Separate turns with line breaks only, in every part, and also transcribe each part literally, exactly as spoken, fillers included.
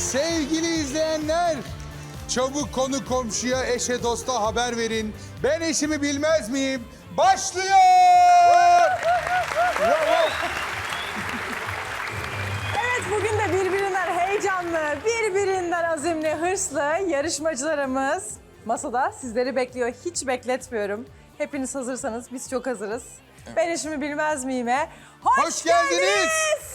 Sevgili izleyenler, çabuk konu komşuya, eşe, dosta haber verin. Ben eşimi bilmez miyim? Başlıyor!
Evet, bugün de birbirinden heyecanlı, birbirinden azimli, hırslı yarışmacılarımız masada sizleri bekliyor. Hiç bekletmiyorum. Hepiniz hazırsanız biz çok hazırız. Ben eşimi bilmez miyim'e hoş,
Hoş geldiniz.
geldiniz.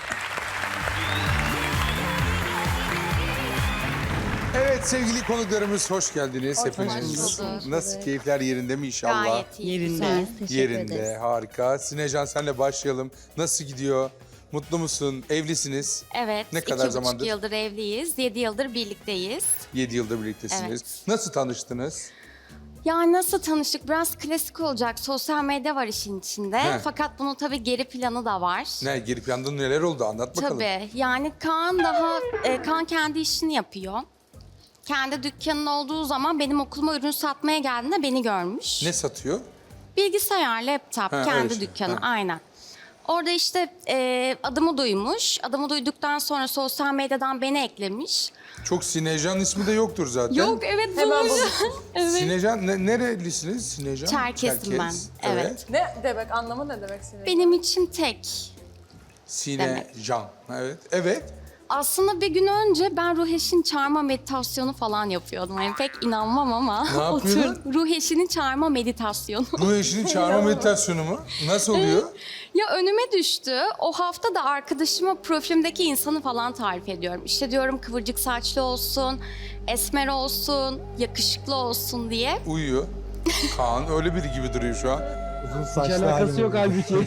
Evet sevgili konuklarımız hoş geldiniz
Hoş
hepiniz.
bulduk.
Nasıl, keyifler yerinde mi inşallah?
Gayet iyi.
Yerinde.
Güzel.
Yerinde, harika. Sinecan senle başlayalım. Nasıl gidiyor? Mutlu musun? Evlisiniz.
Evet.
Ne kadar
iki buçuk
zamandır?
yıldır evliyiz. Yedi yıldır birlikteyiz.
Yedi yıldır birliktesiniz.
Evet.
Nasıl tanıştınız?
Yani nasıl tanıştık? Biraz klasik olacak. Sosyal medya var işin içinde.
He.
Fakat bunun tabii geri planı da var.
Ne, geri planda neler oldu? Anlat bakalım.
Tabii. Yani Kaan daha, e, Kaan kendi işini yapıyor. Kendi dükkanın olduğu zaman benim okuluma ürün satmaya geldiğinde beni görmüş.
Ne satıyor?
Bilgisayar, laptop,
Ha, öyle
kendi
şey.
dükkanı,
Ha.
aynen. Orada işte e, adımı duymuş. Adımı duyduktan sonra sosyal medyadan beni eklemiş.
Çok Sinecan ismi de yoktur zaten.
Yok, evet
Hemen
bulmuş.
buldum.
Evet.
Sinecan, ne, nerelisiniz Sinecan?
Çerkesim ben, evet.
Ne demek, anlamı ne demek senin?
Benim için tek.
Sinecan, evet. Evet.
Aslında bir gün önce ben ruh eşini çağırma meditasyonu falan yapıyordum. Yani pek inanmam ama.
Ne yapıyordun?
Otur- Ruh eşini çağırma meditasyonu.
Ruh eşini çağırma meditasyonu mu? Nasıl oluyor?
Ya önüme düştü. O hafta da arkadaşıma profilimdeki insanı falan tarif ediyorum. İşte diyorum kıvırcık saçlı olsun, esmer olsun, yakışıklı olsun diye.
Uyuyor. Kaan öyle biri gibi duruyor şu an.
Hiç alakası yok halbuki.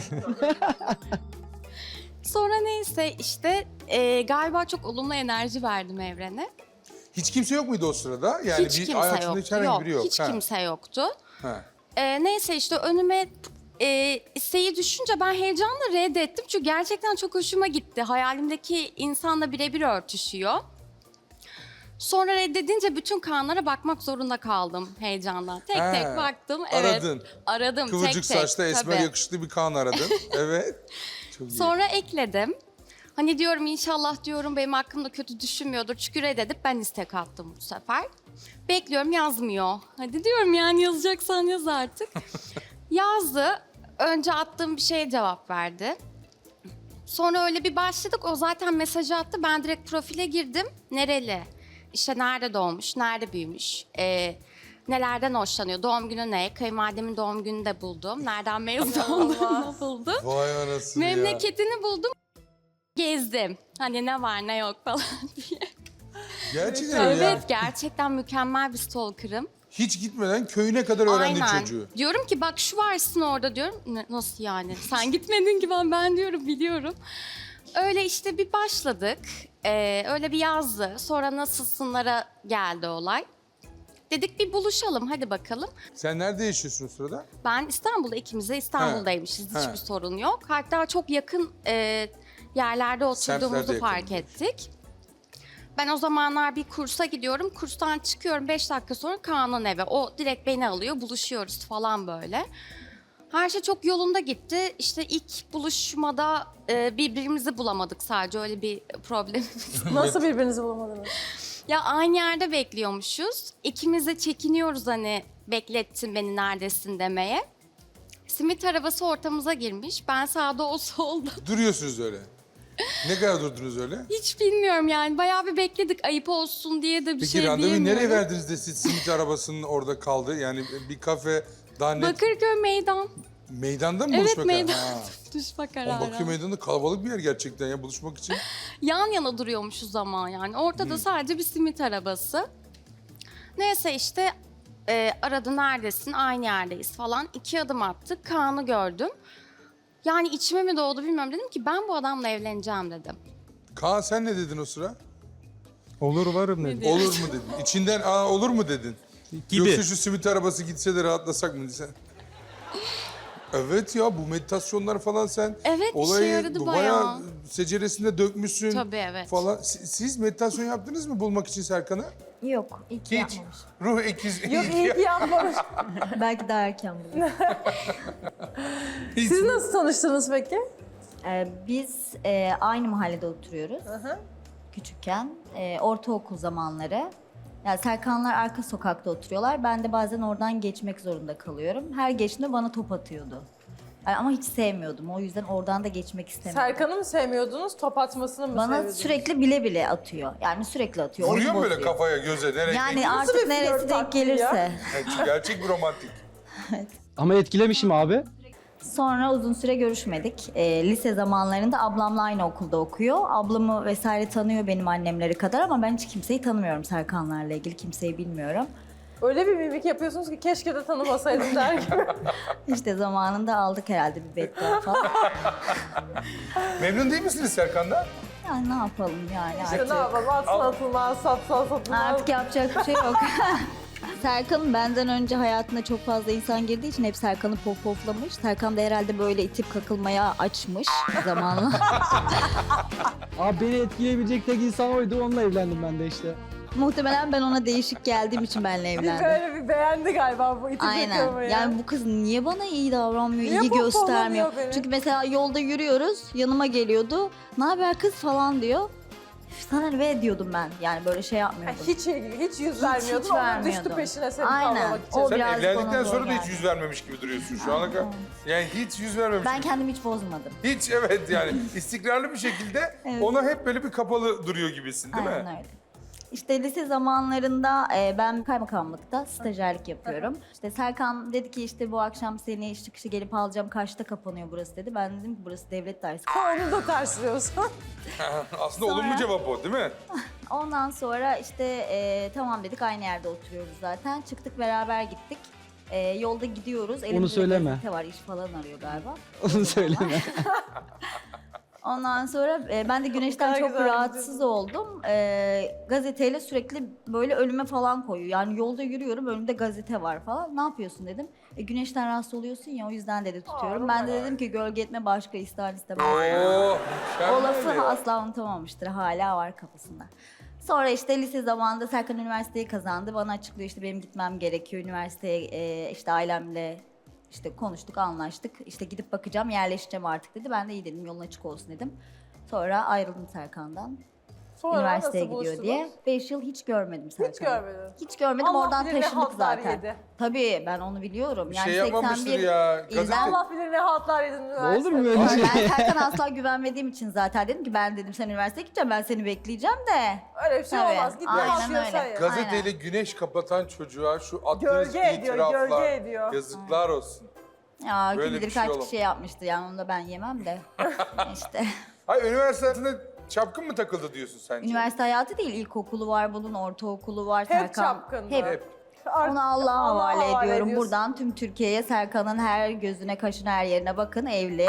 Sonra neyse işte e, galiba çok olumlu enerji verdim evrene.
Hiç kimse yok muydu o sırada? Yani
hiç
bir
kimse
hayatında
yoktu.
hiç herhangi
Yok,
biri yok.
hiç
Ha,
kimse yoktu.
ha.
E, neyse işte önüme e, isteği düşünce ben heyecanla reddettim. Çünkü gerçekten çok hoşuma gitti. Hayalimdeki insanla birebir örtüşüyor. Sonra reddedince bütün kanlara bakmak zorunda kaldım heyecandan. Tek
Ha,
tek baktım. Evet,
aradın.
aradım
Kıvırcık
tek tek.
saçlı, esmer
tabii.
yakışıklı bir Kaan aradın. Evet. Çok iyi.
Sonra ekledim. Hani diyorum inşallah diyorum benim hakkımda kötü düşünmüyordur. Çünkü reddedip ben istek attım bu sefer. Bekliyorum yazmıyor. Hadi diyorum yani yazacaksan yaz artık. Yazdı. Önce attığım bir şeye cevap verdi. Sonra öyle bir başladık. O zaten mesajı attı. Ben direkt profile girdim. Nereli? İşte nerede doğmuş, nerede büyümüş, ee, nelerden hoşlanıyor, doğum günü ne, kayınvalidemin doğum gününü de buldum, nereden mezun olduğunu buldum.
Vay anasını ya.
Memleketini buldum, gezdim. Hani ne var ne yok falan diye.
Gerçekten öyle
Evet,
ya.
gerçekten mükemmel bir stalker'ım.
Hiç gitmeden köyüne kadar öğrendin
Aynen.
çocuğu.
Diyorum ki bak şu varsın orada diyorum. Ne- nasıl yani? Sen gitmedin ki ben ben diyorum biliyorum. Öyle işte bir başladık. Ee, öyle bir yazdı. Sonra nasılsınlara geldi olay. Dedik bir buluşalım hadi bakalım.
Sen nerede yaşıyorsun o sırada?
Ben İstanbul'da ikimiz de İstanbul'daymışız.
He.
Hiçbir sorun yok. Hatta çok yakın e, yerlerde oturduğumuzu
Semtlerde
fark
yakınmış.
ettik. Ben o zamanlar bir kursa gidiyorum. Kurstan çıkıyorum beş dakika sonra Kaan'ın eve. O direkt beni alıyor. Buluşuyoruz falan böyle. Her şey çok yolunda gitti. İşte ilk buluşmada e, birbirimizi bulamadık sadece. Öyle bir problemimiz.
Nasıl birbirinizi bulamadınız?
Ya aynı yerde bekliyormuşuz. İkimiz de çekiniyoruz hani beklettin beni neredesin demeye. Simit arabası ortamıza girmiş. Ben sağda o solda.
Duruyorsunuz öyle. Ne kadar durdunuz öyle?
Hiç bilmiyorum yani. Bayağı bir bekledik ayıp olsun diye de bir
Peki
şey
randevuyu
diyemiyorum.
nereye verdiniz de siz simit arabasının orada kaldı? Yani bir kafe daha net
Bakırköy meydan.
meydanda mı
Evet
buluşmak?
meydan.
Ha.
Düşme
Ama
kararı.
Bakırköy meydanı kalabalık bir yer gerçekten ya buluşmak için.
Yan yana duruyormuşuz ama yani. Ortada sadece bir simit arabası. Neyse işte e, aradı neredesin aynı yerdeyiz falan. İki adım attık Kaan'ı gördüm. Yani içime mi doğdu bilmiyorum dedim ki ben bu adamla evleneceğim dedim.
Kaan sen ne dedin o sıra?
Olur varım dedi.
Olur mu dedin? İçinden aa olur mu dedin?
Gibi.
Yoksa şu simit arabası gitse de rahatlasak mı sen? Evet ya bu meditasyonlar falan sen
Evet, işe
olayı
yaradı
bayağı
bayağı.
seceresinde dökmüşsün.
Tabii, evet.
Falan. Si- Siz meditasyon yaptınız mı bulmak için Serkan'ı?
Yok, ilk
Hiç.
yapmamış.
Ruh ikiz.
Yok iyi ki yapmamış.
Belki daha erken bulur.
Hiç.
Siz nasıl tanıştınız peki?
Ee, biz e, aynı mahallede oturuyoruz.
hı.
küçükken. Ee, ortaokul zamanları. Yani Serkanlar arka sokakta oturuyorlar. Ben de bazen oradan geçmek zorunda kalıyorum. Her geçtiğinde bana top atıyordu. Yani ama hiç sevmiyordum. O yüzden oradan da geçmek istemiyordum.
Serkan'ı mı sevmiyordunuz, top atmasını mı
Bana
seviyordunuz?
sürekli bile bile atıyor. Yani sürekli atıyor.
Vuruyor
oyun
mu böyle
bozuyor.
kafaya, göze, nereye?
Yani
Yani
Nasıl
artık
bir
neresi
flört
denk
taktiği ya?
gelirse.
gerçek bir romantik.
Ama etkilemişim abi.
Sonra uzun süre görüşmedik. Ee, lise zamanlarında ablamla aynı okulda okuyor. Ablamı vesaire tanıyor benim annemleri kadar ama ben hiç kimseyi tanımıyorum Serkanlarla ilgili. Kimseyi bilmiyorum.
Öyle bir mimik yapıyorsunuz ki keşke de tanımasaydım der gibi.
İşte zamanında aldık herhalde bir beddua falan.
Memnun değil misiniz Serkan'dan?
Yani ne yapalım yani
İşte
artık.
ne yapalım, atsın atılmaz, satsa satılmaz.
Artık yapacak bir şey yok. Serkan benden önce hayatına çok fazla insan girdiği için hep Serkan'ı pop poflamış. Serkan da herhalde böyle itip kakılmaya açmış zamanla.
Abi beni etkileyebilecek tek insan oydu. Onunla evlendim ben de işte.
Muhtemelen ben ona değişik geldiğim için benimle
Bir
evlendi.
böyle bir beğendi galiba bu itip
Aynen.
yakalamayı.
Yani bu kız niye bana iyi davranmıyor,
Niye
ilgi
pohpohlamıyor
göstermiyor?
beni?
Çünkü mesela yolda yürüyoruz, yanıma geliyordu. Ne haber kız falan diyor. "Üf, sana ne be?" diyordum ben. Yani böyle şey
Ha,
yapmıyordum.
hiç ilgi, hiç yüz
Hiç,
vermiyordun,
hiç
onun
vermiyordum.
düştü peşine seni
Aynen.
tavlamak için.
O
Sen
biraz
evlendikten
bana
sonra
zor
da hiç
geldi.
yüz vermemiş gibi duruyorsun şu ana kadar. Yani hiç yüz vermemiş.
Ben kendimi hiç bozmadım.
Hiç, evet, yani istikrarlı bir şekilde
Evet.
ona hep böyle bir kapalı duruyor gibisin, değil
Aynen
mi?
öyle. İşte lise zamanlarında e, ben kaymakamlıkta stajyerlik yapıyorum. İşte Serkan dedi ki işte bu akşam seni iş çıkışı gelip alacağım. Kaçta kapanıyor burası dedi. Ben dedim ki burası devlet dairesi.
Onu da karşılıyorsun.
Aslında
Sonra-
olumlu cevap o, değil mi?
Ondan sonra işte e, tamam dedik aynı yerde oturuyoruz zaten. Çıktık beraber gittik. E, yolda gidiyoruz. Elimizde
söyleme.
gazete var, iş falan arıyor galiba.
Onu söyleme.
Ondan sonra e, ben de güneşten
kadar
çok
güzel
rahatsız
gidiyorsun.
oldum. E, gazeteyle sürekli böyle önüme falan koyuyor. Yani yolda yürüyorum önümde gazete var falan. Ne yapıyorsun dedim. E, güneşten rahatsız oluyorsun ya o yüzden dedi tutuyorum.
Aa,
ben de dedim ki gölge etme başka ister istemez.
Oo,
O lafı
mükemmel ya.
asla unutamamıştır. Hala var kafasında. Sonra işte lise zamanında Serkan üniversiteyi kazandı. Bana açıklıyor işte benim gitmem gerekiyor. Üniversiteye e, işte ailemle işte konuştuk, anlaştık. İşte gidip bakacağım, yerleşeceğim artık dedi. Ben de iyi dedim, yolun açık olsun dedim. Sonra ayrıldım Serkan'dan.
Sonra
Üniversiteye
nasıl
gidiyor
buluştunuz?
diye. Beş yıl hiç görmedim Serkan'ı.
Hiç görmedin.
Hiç görmedim,
Allah
oradan
bilir ne
taşındık
haltlar
zaten.
yedi.
Tabii ben onu biliyorum.
Bir
Yani
şey yapmamıştır
seksen bir
ya.
ilden-
Gazete-
Allah bilir ne haltlar yedin
Olur mu
üniversitede.
öyle şey?
Ben Serkan'a asla güvenmediğim için zaten dedim ki ben dedim sen üniversiteye gideceğim, ben seni bekleyeceğim de.
Öyle bir şey
Tabii,
olmaz. Git ne
aynen
yapıyorsan
öyle.
ya.
Gazeteyle güneş kapatan çocuğa şu attığınız
Gölge ediyor,
itiraflar,
gölge ediyor.
yazıklar olsun.
Ya kim
Böyle
bilir
bir şey
kaç
olamaz.
kişi yapmıştır yani onu da ben yemem de. işte.
Hayır, üniversite hayatında çapkın mı takıldı diyorsun sence?
Üniversite hayatı değil, ilkokulu var bunun, ortaokulu var.
Hep
Serkan.
çapkındı.
Hep.
Hep.
Artık
Onu Allah'a havale ediyorum.
ediyorsun.
Buradan tüm Türkiye'ye Serkan'ın her gözüne, kaşına, her yerine bakın. Evli.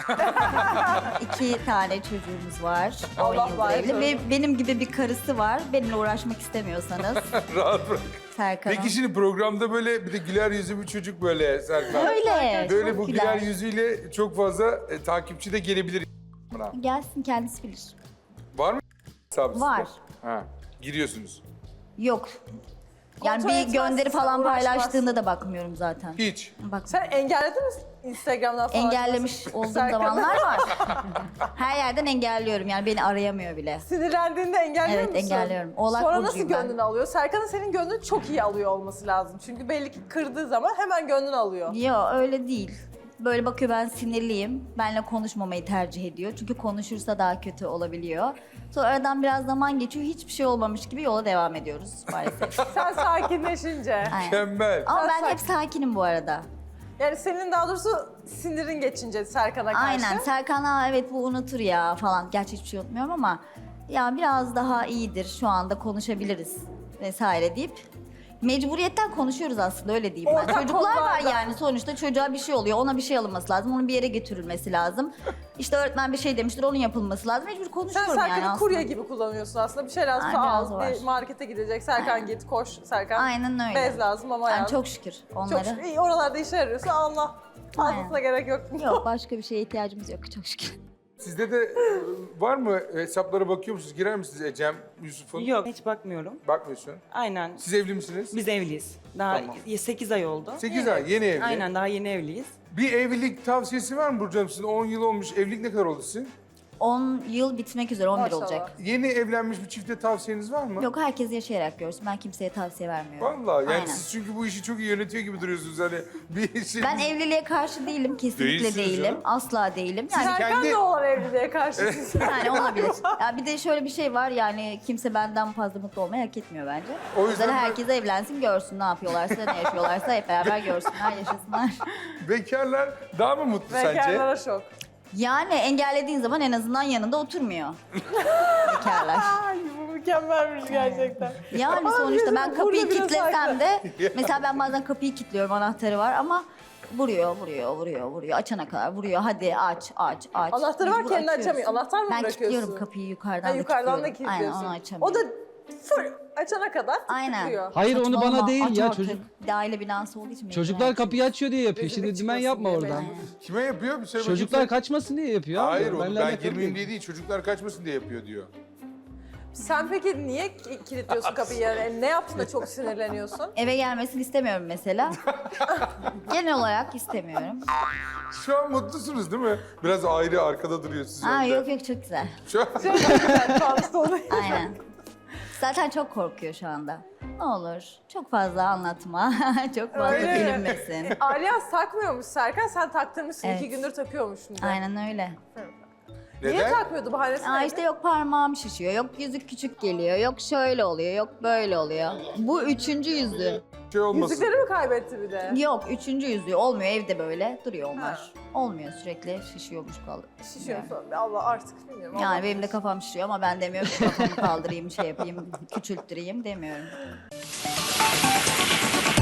İki tane çocuğumuz var. on
Allah
yıldır
var
evli.
canım.
Ve benim gibi bir karısı var. Benimle uğraşmak istemiyorsanız
Rahat bırak.
Serkan'ın.
Peki şimdi programda böyle bir de güler yüzlü bir çocuk böyle Serkan.
Öyle.
Böyle
çok
bu güler yüzüyle çok fazla e, takipçi de gelebilir. Buna.
Gelsin kendisi bilir.
Var mı hesabı
Var.
sizde? Ha, giriyorsunuz.
Yok. Yani
Kontrol
bir
etmezsin,
gönderi falan
uğraşmazsın.
paylaştığında da bakmıyorum zaten.
Hiç.
Bak.
Sen engelledin mi Instagram'dan falan?
Engellemiş olduğum
Serkan'ı?
zamanlar var. Her yerden engelliyorum yani beni arayamıyor bile.
Sinirlendiğinde engelliyor
Evet,
musun?
engelliyorum. Oğlak
Sonra nasıl
burcuyum ben.
gönlünü alıyor? Serkan'ın senin gönlünü çok iyi alıyor olması lazım. Çünkü belli ki kırdığı zaman hemen gönlünü alıyor.
Yok öyle değil. Böyle bakıyor ben sinirliyim. Benle konuşmamayı tercih ediyor. Çünkü konuşursa daha kötü olabiliyor. Sonra aradan biraz zaman geçiyor. Hiçbir şey olmamış gibi yola devam ediyoruz maalesef.
Sen sakinleşince.
Aynen.
Mükemmel.
Ama
Sen
ben
sakin.
hep sakinim bu arada.
Yani senin daha doğrusu sinirin geçince Serkan'a karşı.
Aynen. Serkan "Aa, evet bu unutur ya falan. Gerçi hiçbir şey unutmuyorum ama ya biraz daha iyidir şu anda konuşabiliriz vesaire deyip mecburiyetten konuşuyoruz aslında öyle diyeyim ben.
Ortak
Çocuklar var
konularda.
yani sonuçta çocuğa bir şey oluyor. Ona bir şey alınması lazım. Onun bir yere götürülmesi lazım. İşte öğretmen bir şey demiştir onun yapılması lazım. Mecbur
Sen
konuşuyorum
Serkan'ı
yani aslında.
kurye gibi kullanıyorsun aslında. Bir şey lazımsa
Ay, biraz
al,
var.
bir markete gidecek. Serkan
Aynen.
git, koş Serkan.
Aynen öyle.
Bez lazım ama
Yani
yani.
çok şükür
Çok
onları.
şükür. İyi, oralarda işe yarıyorsa Allah. Fazlasına
Aynen.
gerek yok.
Yok başka bir şeye ihtiyacımız yok çok şükür.
Sizde de e, var mı hesaplara bakıyor musunuz? Girer misiniz Ecem, Yusuf'un?
Yok hiç bakmıyorum.
Bakmıyorsun.
Aynen.
Siz evli misiniz?
Biz evliyiz. Daha
Tamam.
sekiz ay oldu.
sekiz ay, yeni evli.
Aynen daha yeni evliyiz.
Bir evlilik tavsiyesi var mı Burcu Hanım? Sizin on yıl olmuş. Evlilik ne kadar oldu sizin?
on yıl bitmek üzere, on bir
Maşallah.
olacak.
Yeni evlenmiş bir çifte tavsiyeniz var mı?
Yok, herkes yaşayarak görsün. Ben kimseye tavsiye vermiyorum.
Vallahi yani
Aynen.
siz çünkü bu işi çok iyi yönetiyor gibi duruyorsunuz hani bir şey.
Ben evliliğe karşı değilim, kesinlikle
Değilsiniz
değilim.
canım.
Asla değilim. Yani
Serkan
kendi-
da olan evliliğe karşısınız.
Yani olabilir. Ya bir de şöyle bir şey var, yani kimse benden fazla mutlu olmayı hak etmiyor bence.
O
O
yüzden
yüzden
ben-
herkes evlensin, görsün ne yapıyorlarsa, ne yaşıyorlarsa hep beraber görsünler, yaşasınlar.
Bekarlar daha mı mutlu sence?
Bekarlara şok.
Yani engellediğin zaman en azından yanında oturmuyor. Bekarlar.
Ay bu mükemmelmiş gerçekten.
Yani
Ama
sonuçta
bizim
ben
burada
kapıyı
biraz
kilitlesem
farklı.
de, mesela ben bazen kapıyı kilitliyorum, anahtarı var ama vuruyor, vuruyor, vuruyor, vuruyor. Açana kadar vuruyor. Hadi aç, aç, aç.
Anahtarı var,
Mecbur
kendi
açıyorsun.
açamıyor. Anahtar mı
Ben
bırakıyorsun?
kilitliyorum kapıyı, yukarıdan
Ha,
da
yukarıdan da
kilitliyorum. Aynen,
kilitliyorsun.
onu açamıyorum.
O da full açana kadar
Aynen.
tutuyor.
Hayır onu
Saçmalama,
bana değil
aç
ya
artık.
çocuk.
Bir de aile binası olduğu için.
Çocuklar
mecbur
kapıyı açıyor diye yapıyor.
Rezillik
Şimdi dümen
çıkmasın
yapma
diye
oradan.
mecbur.
Kime yapıyor? Bir söyle
Çocuklar
bakayım.
kaçmasın diye yapıyor abi.
Hayır oğlum
Benle
ben
alakalı
girmeyeyim
değil.
diye değil çocuklar kaçmasın diye yapıyor diyor.
Sen peki niye ki- kilitliyorsun kapıyı? Yani ne yaptın da çok sinirleniyorsun?
Eve gelmesini istemiyorum mesela. Genel olarak istemiyorum.
Şu an mutlusunuz değil mi? Biraz ayrı arkada duruyor siz
Aa
önde.
yok yok, çok güzel.
Şu an...
Ben hasta olayım.
Aynen. Zaten çok korkuyor şu anda. Ne olur çok fazla anlatma. Çok fazla
Öyle mi?
bilinmesin.
Alyans takmıyormuş Serkan, sen taktırmışsın.
Evet.
İki gündür takıyormuşsun. de.
Aynen öyle.
Niye
Neden?
takmıyordu, bahanesi
Aa
neydi?
işte yok parmağım şişiyor, yok yüzük küçük geliyor, yok şöyle oluyor, yok böyle oluyor. Bu üçüncü yüzüğü.
Şey olmasın.
Yüzükleri mi kaybetti bir de?
Yok, üçüncü yüzüğü olmuyor, evde böyle duruyor onlar. Olmuyor, sürekli şişiyormuş kaldı.
Şişiyor falan. Allah artık bilmiyorum.
Yani
Allah.
benim de kafam şişiyor ama ben demiyorum ki kafamı kaldırayım, şey yapayım, küçülttüreyim demiyorum.